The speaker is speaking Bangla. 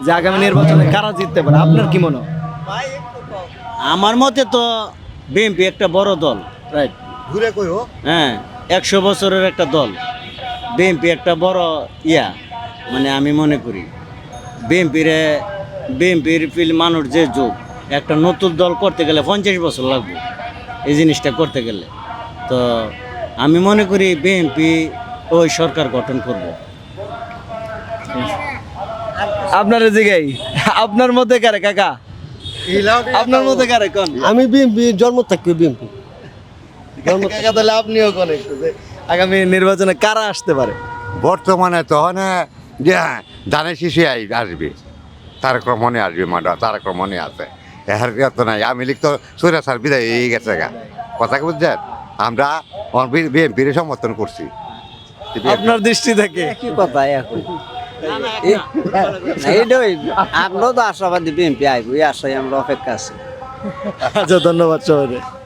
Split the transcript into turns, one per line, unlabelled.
যে আগামী নির্বাচনে কারা জিততে পারে, আপনার কি মনে হয়?
আমার মতে তো বিএনপি একটা বড় দল,
রাইট।
ঘুরে কইও
হ্যাঁ 100 বছরের একটা দল। বিএনপি একটা বড় মানে আমি মনে করি বিএনপির মানুষ যে যুগ, একটা নতুন দল করতে গেলে 50 বছর লাগবে এই জিনিসটা করতে গেলে। তো আমি মনে করি বিএনপি ওই সরকার গঠন করব।
আপনার জিগাই আপনার মধ্যে কারে কাকা, আপনার মধ্যে কারে কোন?
আমি বিএমপি জন্ম থাকি বিএমপি
কাকা তাহলে আপনিও কোন একটু যে আগামী নির্বাচনে কারা আসতে পারে?
বর্তমানে তখন যে ধানের শিশু আসবে, তারক রহমানে আসবে, তারক রহমানে আছে। এর তো নাই, আমি লিখ তো সৈরা সার বিদায় হয়ে গেছে গা, কথা কি বুঝছেন? আমরা বিএনপির সমর্থন করছি।
আপনার দৃষ্টি থেকে
কি কথা এখন এইটাই আমরা তো আশাবাদী বিএনপি আইব, এই আশায় আমরা অপেক্ষা আছি।
আচ্ছা, ধন্যবাদ সবাই।